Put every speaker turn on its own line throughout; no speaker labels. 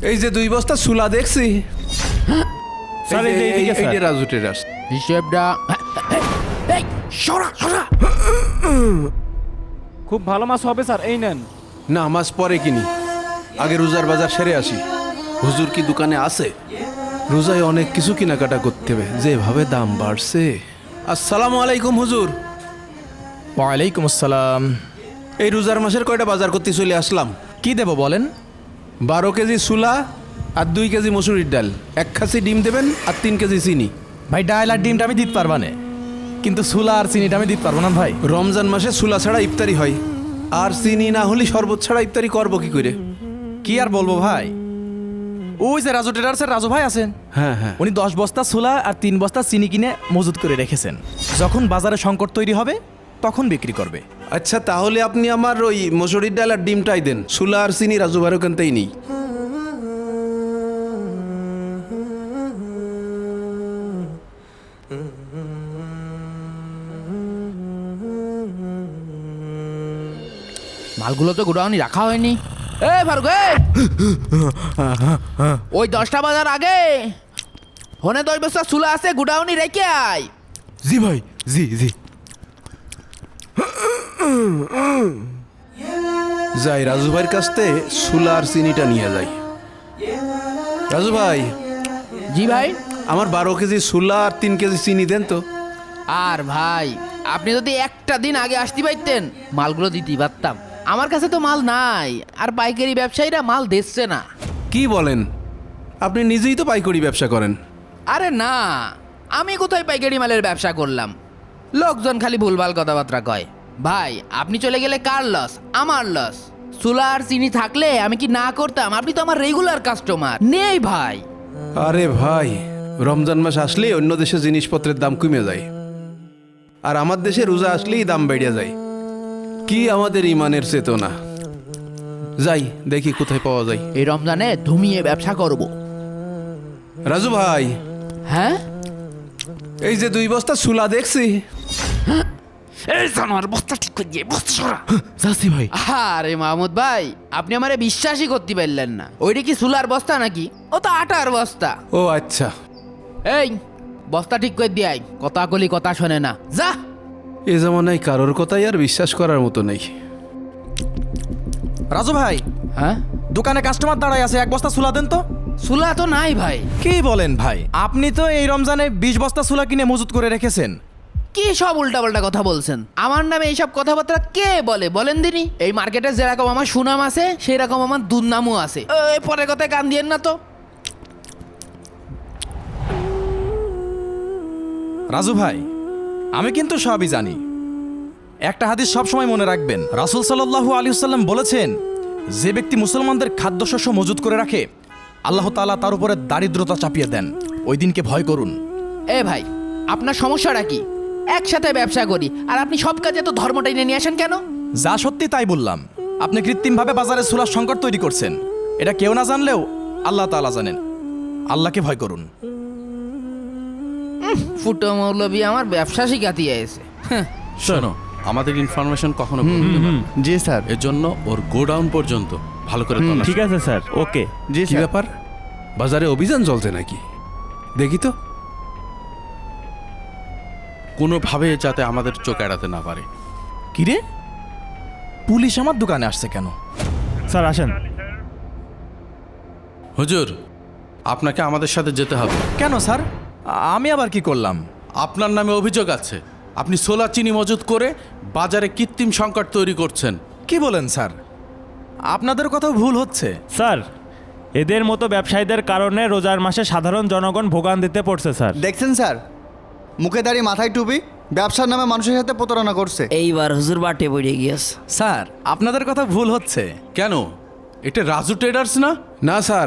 এই যে 2 বস্তা সুলা দেখছি
স্যার এই যে এইদিকে স্যার।
এই যে রাজু টেরাস।
হিসেবটা এই সরা সরা।
খুব ভালো মাছ হবে স্যার, এই নেন।
না, মাছ পরে কিনি, আগে রোজার বাজার সেরে আসি। হুজুর কি দোকানে আছে? রোজায় অনেক কিছু কেনাকাটা করতে হবে, যেভাবে দাম বাড়ছে। আসসালামু আলাইকুম হুজুর।
ওয়ালাইকুম আসসালাম।
এই রোজার মাসের কয়টা বাজার করতে চলে আসলাম।
কি দেব বলেন?
12 কেজি সুলা আর 2 কেজি মসুরির ডাল, 1 খাসি ডিম দেবেন আর 3 কেজি চিনি।
ভাই ডাল আর ডিমটা আমি দিতে পারবা না, কিন্তু সুলা আর চিনিটা আমি দিতে পারবো না ভাই।
রমজান মাসে সুলা ছাড়া ইফতারি হয়, আর চিনি না হলে শরবত ছাড়া ইফতারি করবো কি করে?
কি আর বলবো ভাই, ওই যে রাজু ট্রেডার্সের রাজু ভাই আছেন,
হ্যাঁ হ্যাঁ,
উনি 10 বস্তা সুলা আর 3 বস্তা চিনি কিনে মজুত করে রেখেছেন। যখন বাজারে সংকট তৈরি হবে তখন বিক্রি করবে।
আচ্ছা তাহলে আপনি আমার ওই মসুরির ডাল আর ডিমটাই দেন, সুলা আর চিনি রাজু ভাইয়ের ওখানতেই নেই।
মালগুলো তো গোডাউনে রাখা হয়নি। এ ফারুক, ওই 10টা বাজার আগে ফোনে 10 বস্তা চুলা আছে, গোডাউনে রেখে আয়।
জি ভাই, জি জি। যাই রাজু ভাইয়ের কাছ থেকে সুলা আর চিনিটা নিয়ে যাই। রাজু ভাই,
জি ভাই।
আমার 12 কেজি সুলা আর 3 কেজি চিনি দেন তো।
আর ভাই আপনি যদি একটা দিন আগে আসতে পারতেন মালগুলো দিতেই পারতাম। আমার কাছে তো মাল নাই, আর পাইকারি ব্যবসায়ীরা মাল দিচ্ছে না।
কি বলেন? আপনি নিজেই তো পাইকারি ব্যবসা করেন।
আরে না, আমি কোথায় পাইকারি মালের ব্যবসা করলাম? লোকজন খালি ভুলভাল কথাবার্তা কয়। ভাই আপনি চলে গেলে কার লস? আমার লস। চুলা আর চিনি থাকলে আমি কি না করতাম? আপনি তো আমার রেগুলার কাস্টমার নেই ভাই।
আরে ভাই, রমজান মাস আসলে অন্য দেশে জিনিসপত্রের দাম কমে যায়, আর আমার দেশে রোজা আসলেই দাম বেড়ে যায়। কি আমাদের ইমানের চেতনা! যাই দেখি কোথায় পাওয়া যায়।
এই রমজানে ধুমিয়ে ব্যবসা করব।
রাজু ভাই,
হ্যাঁ
এই যে 2 বস্তা সুলা দেখছি।
এই জানোয়ার, বস্তা ঠিক করে দিয়ে বস্তা সরা।
যাচ্ছি ভাই।
আরে মাহমুদ ভাই, আপনি আমারে বিশ্বাসই করতে পারলেন না। ওইটা কি সুলার বস্তা নাকি? ও তো আটার বস্তা।
ও আচ্ছা,
এই বস্তা ঠিক করে দিয়ে আয়। কথা কলি কথা শোনে না, যা।
এ জামানায় কারোর কথাই আর বিশ্বাস করার মতো নেই।
রাজু ভাই,
হ্যাঁ
দোকানে কাস্টমার দাঁড়ায় আছে, 1 বস্তা সুলা দেন তো।
সুলা তো নাই ভাই।
কি বলেন ভাই, আপনি তো এই রমজানে 20 বস্তা সুলা কিনে মজুত করে রেখেছেন।
কি সব উল্টাপাল্টা কথা বলছেন? আমার নামে এইসব কথাবার্তা কে বলে বলেন দিনি? এই মার্কেটে যেরকম আমার সুনাম আছে সেই রকম আমার দুর্নামও আছে। এই পরে কথায় কান দিয়েন না তো।
রাজু ভাই, আমি কিন্তু সবই জানি। একটা হাদিস সব সময় মনে রাখবেন, রাসূল সাল্লাল্লাহু আলাইহি ওয়াসাল্লাম বলেছেন, যে ব্যক্তি মুসলমানদের খাদ্যশস্য মজুত করে রাখে আল্লাহ তাআলা তার উপরে দারিদ্রতা চাপিয়ে দেন। ওই দিনকে ভয় করুন।
এ ভাই, আপনার সমস্যাটা কি? একসাথে ব্যবসা করি আর আপনি সব কাজে তো ধর্মটা এনে নিয়ে আসেন কেন?
যা সত্যি তাই বললাম। আপনি কৃত্রিমভাবে বাজারে সুলার সংকট তৈরি করছেন। এটা কেউ না জানলেও আল্লাহ তাআলা জানেন। আল্লাহকে ভয় করুন।
ফুটো মৌলবী আমার ব্যবসা শিখাতে এসে।
শোনো, আমাদের ইনফরমেশন কখনো ভুল হতে পারে না।
জি স্যার।
এর জন্য ওর গোডাউন পর্যন্ত ভালো করে তল্লাশি
ঠিক আছে স্যার, ওকে।
জি
কি
স্যার।
ব্যাপার, বাজারে অভিযান চলছে নাকি? দেখি তো।
কোনোভাবে যাতে আমাদের চোখ এড়াতে না পারে।
কিরে, পুলিশ আমার দোকানে আসছে কেন?
স্যার আসেন।
হুজুর, আপনাকে আমাদের সাথে যেতে হবে।
কেন স্যার, আমি আবার কি করলাম?
আপনার নামে অভিযোগ আছে, আপনি সোলা চিনি মজুত করে বাজারে কৃত্রিম সংকট তৈরি করছেন।
কি বলেন স্যার? আপনাদের কথাও ভুল হচ্ছে।
স্যার, এদের মতো ব্যবসায়ীদের কারণে রোজার মাসে সাধারণ জনগণ ভোগান্তিতে পড়ছে স্যার।
দেখছেন স্যার, মুখে দাঁড়িয়ে মাথায় টুপি, ব্যবসার নামে মানুষের সাথে প্রতারণা করছে।
এইবার হুজুর বাটে পড়ে গিয়েছে।
স্যার, আপনাদের কথা ভুল হচ্ছে।
কেন? এটা রাজু ট্রেডার্স না?
না স্যার,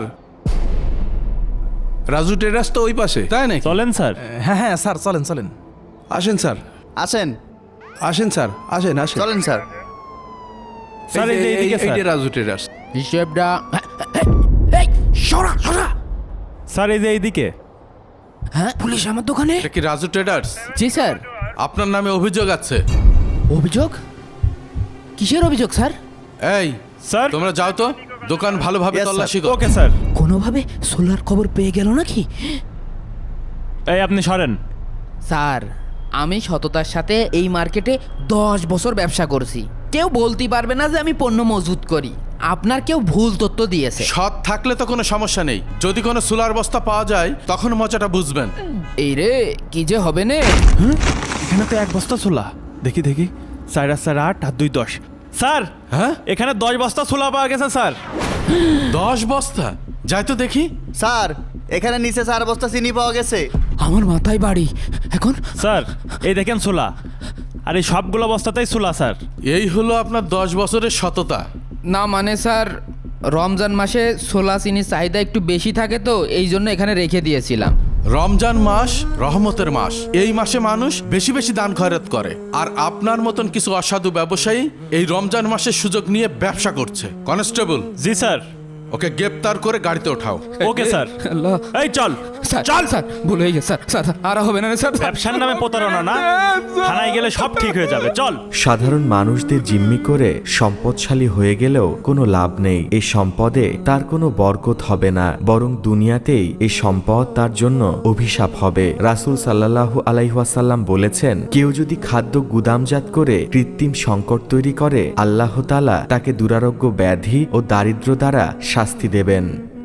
রাজু টেরাস তো ওই পাশে।
তাই নাকি?
চলেন স্যার।
হ্যাঁ হ্যাঁ স্যার, চলেন চলেন।
আসেন স্যার,
আসেন
আসেন স্যার, আসেন আসেন।
চলেন স্যার।
স্যার এই যে এইদিকে
এই
স্যার।
যে রাজু টেরাস।
হিসেবটা এই সরা সরা।
স্যার এই যে এইদিকে।
হ্যাঁ, পুলিশ আমার দোকানে?
এটা কি রাজু ট্রেডার্স?
জি স্যার।
আপনার নামে অভিযোগ আছে।
অভিযোগ? কিসের অভিযোগ স্যার?
এই
স্যার
তোমরা যাও তো, দোকান ভালোভাবে
Yes, sir.
তল্লাশি কর।
Okay sir.
কোনোভাবে সোলার খবর পেয়ে গেল নাকি?
এই আপনি সরেন।
স্যার, আমি সততার সাথে এই মার্কেটে 10 বছর ব্যবসা করছি। কেউ বলতে পারবে না যে আমি পণ্য মজুত করি। আপনার কেউ ভুল তথ্য দিয়েছে।
সৎ থাকলে তো কোনো সমস্যা নেই, যদি কোনো সোলার বস্তা পাওয়া যায় তখন মজাটা বুঝবেন।
এই রে, কি যে হবে না।
এখানে তো 1 বস্তা ছোলা। দেখি দেখি, 4 আর 4 8 আর 2 10। স্যার,
হ্যাঁ,
এখানে 10 বস্তা ছোলা পাওয়া গেছে স্যার।
10 বস্তা? যাই তো দেখি।
স্যার, এখানে নিচে 4 বস্তা চিনি পাওয়া গেছে।
আমার মাথায় বাড়ি এখন।
স্যার, এই দেখেন ছোলা। আর এই সবগুলো বস্তাতেই ছোলা স্যার।
এই হলো আপনার 10 বছরের সততা।
না মানে স্যার, রমজান মাসে ছোলা চিনির চাহিদা একটু বেশি থাকে তো এই জন্য এখানে রেখে দিয়েছিলাম।
রমজান মাস রহমতের মাস, এই মাসে মানুষ বেশি বেশি দান খয়রাত করে। আর আপনার মতন কিছু অসাধু ব্যবসায়ী এই রমজান মাসের সুযোগ নিয়ে ব্যবসা করছে। কনস্টেবল,
জি স্যার।
ওকে গ্রেপ্তার করে গাড়িতে ওঠাও।
Okay sir.
আল্লাহ।
এই চল
স্যার
চল।
স্যার, ভুল হয়ে গেছে স্যার। স্যার আর হবে না স্যার।
ব্যবসার নামে প্রতারণা না, থানায় গেলে সব ঠিক হয়ে যাবে। চল।
সাধারণ মানুষদের জিম্মি করে সম্পদশালী হয়ে গেলেও কোনো লাভ নেই। এই সম্পদে তার কোনো বরকত হবে না, বরং দুনিয়াতেই এই সম্পদ তার জন্য অভিশাপ হবে। রাসূল সাল্লাল্লাহু আলাইহি ওয়াসাল্লাম বলেছেন, কেউ যদি খাদ্য গুদামজাত করে কৃত্রিম সংকট তৈরি করে, আল্লাহ তাআলা তাকে দুরারোগ্য ব্যাধি ও দারিদ্র্য দ্বারা শাস্তি দেবেন।